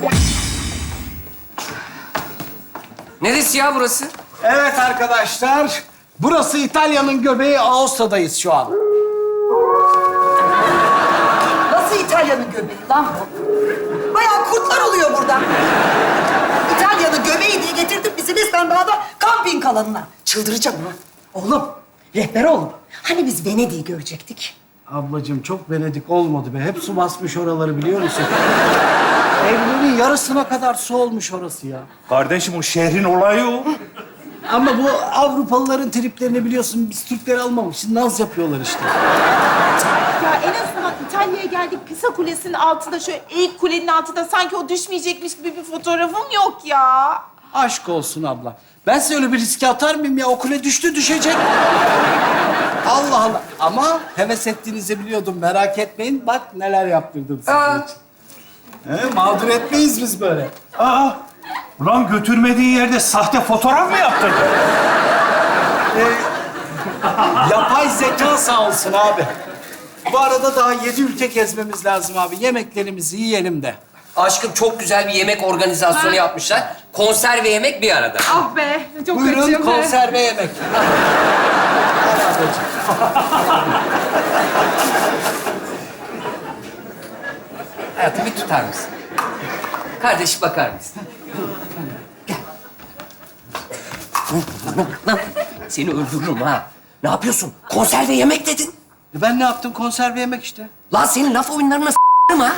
Neresi ya burası? Evet arkadaşlar, burası İtalya'nın göbeği, Aosta'dayız şu an. Nasıl İtalya'nın göbeği lan bu? Bayağı kurtlar oluyor burada. İtalya'nın göbeği diye getirdin bizi resmen daha da kamping alanına. Çıldıracağım lan. Oğlum, rehber oğlum. Hani biz Venedik'i görecektik? Ablacığım çok Venedik olmadı be. Hep su basmış oraları biliyor musun? Evliliğin yarısına kadar su olmuş orası ya. Kardeşim o şehrin olayı o. Ama bu Avrupalıların triplerini biliyorsun. Biz Türkleri almamışız. Naz yapıyorlar işte. Ya en azından İtalya'ya geldik. Pisa Kulesi'nin altında, şöyle eğik kulenin altında sanki o düşmeyecekmiş gibi bir fotoğrafım yok ya. Aşk olsun abla. Ben size öyle bir riske atar mıyım ya? O kule düştü düşecek. Allah Allah. Ama heves ettiğinizi biliyordum. Merak etmeyin. Bak neler yaptırdım sizin için. Mağdur etmeyiz biz böyle. Aa, ulan götürmediği yerde sahte fotoğraf mı yaptırdın? Yapay zeka sağ olsun abi. Bu arada daha 7 ülke gezmemiz lazım abi. Yemeklerimizi yiyelim de. Aşkım çok güzel bir yemek organizasyonu yapmışlar. Konserve yemek bir arada. Ah be, çok Buyurun açım be. konserve yemek. Hayatım bir tutar mısın? Kardeş bakar mısın? Gel. Lan, seni öldürürüm ha. Ne yapıyorsun? Konserve yemek dedin. Ben ne yaptım? Konserve yemek işte. Lan senin laf oyunlarına s***ım ha.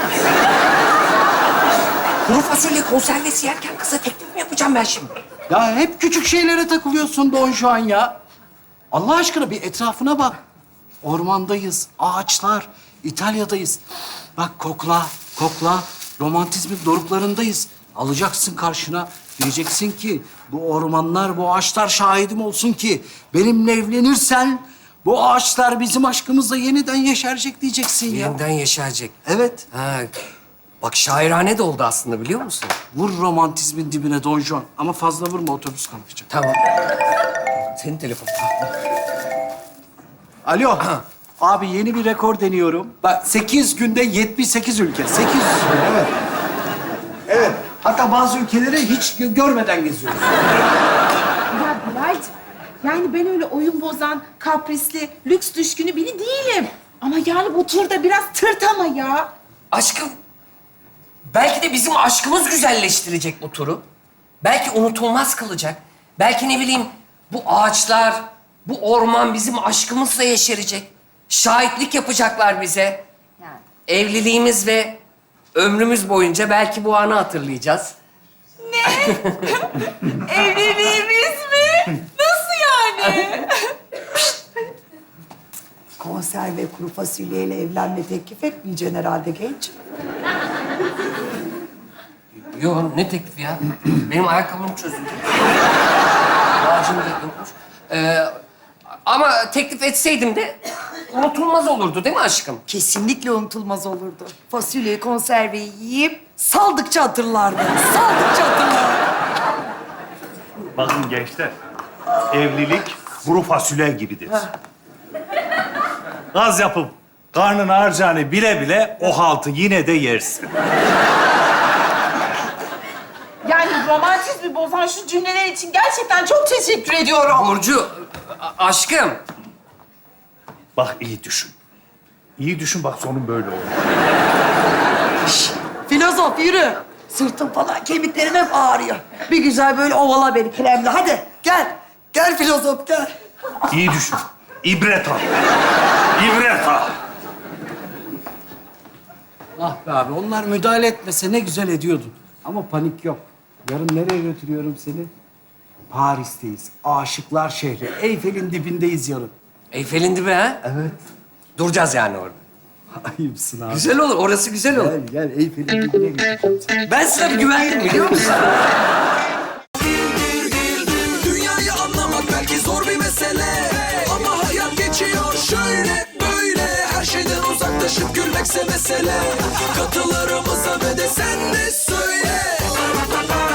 Kuru fasulye konservesi yerken kıza teklif mi yapacağım ben şimdi? Ya hep küçük şeylere takılıyorsun Don Juan ya. Allah aşkına bir etrafına bak. Ormandayız, ağaçlar, İtalya'dayız. Bak kokla, kokla. Romantizmin doruklarındayız. Alacaksın karşına. Diyeceksin ki bu ormanlar, bu ağaçlar şahidim olsun ki benimle evlenirsen bu ağaçlar bizim aşkımızla yeniden yeşerecek diyeceksin ya. Yeniden yeşerecek. Evet. Ha, bak şairane de oldu aslında biliyor musun? Vur romantizmin dibine Don Juan. Ama fazla vurma, otobüs kalkacak. Tamam. Senin telefonun. Alo. Abi yeni bir rekor deniyorum. Bak 8 günde 78 ülke. 800 ülke, evet. Evet. Hatta bazı ülkeleri hiç görmeden geziyoruz. Ya Bilal'cim, yani ben öyle oyun bozan, kaprisli, lüks düşkünü biri değilim. Ama yani bu turda biraz tırt ama ya. Aşkım, belki de bizim aşkımız güzelleştirecek bu turu. Belki unutulmaz kılacak. Belki ne bileyim bu ağaçlar, bu orman bizim aşkımızla yeşerecek. Şahitlik yapacaklar bize. Yani. Evliliğimiz ve ömrümüz boyunca belki bu anı hatırlayacağız. Evliliğimiz mi? Nasıl yani? Konserve kuru fasulyeyle evlenme teklif etmeyeceksin herhalde genç. Yo, ne teklifi ya? Benim ayakkabım çözüldü. Ağacım da yokmuş. Ama teklif etseydim de unutulmaz olurdu değil mi aşkım? Kesinlikle unutulmaz olurdu. Fasulyeyi, konserveyi yiyip saldıkça hatırlardı. Saldıkça hatırlardı. Bakın gençler, evlilik kuru fasulye gibidir. Gaz yapıp karnın harcağını bile bile o haltı yine de yersin. Yani romantizmi bozan şu cümleler için gerçekten çok teşekkür ediyorum. Burcu, aşkım. Bak iyi düşün. İyi düşün bak sonun böyle olur. Filozof yürü. Sırtım falan, kemiklerim hep ağrıyor. Bir güzel böyle ovala beni kremle. Hadi gel. Gel filozof gel. İyi düşün. İbret al. İbret al. Ah be abi, onlar müdahale etmese ne güzel ediyordun. Ama panik yok. Yarın nereye götürüyorum seni? Paris'teyiz. Aşıklar şehri. Eyfel'in dibindeyiz yarın. Eyfel'in dibi ha? Evet. Duracağız yani orada. Ayıpsın abi. Güzel olur, orası güzel olur. Gel Eyfel'in dibine götüreceğim seni. Ben sana bir güvendim biliyor musun? Dünyayı anlamak belki zor bir mesele, ama hayat geçiyor şöyle böyle. Her şeyden uzaklaşıp gülmekse mesele. Katılarımıza ve de sen de söyle.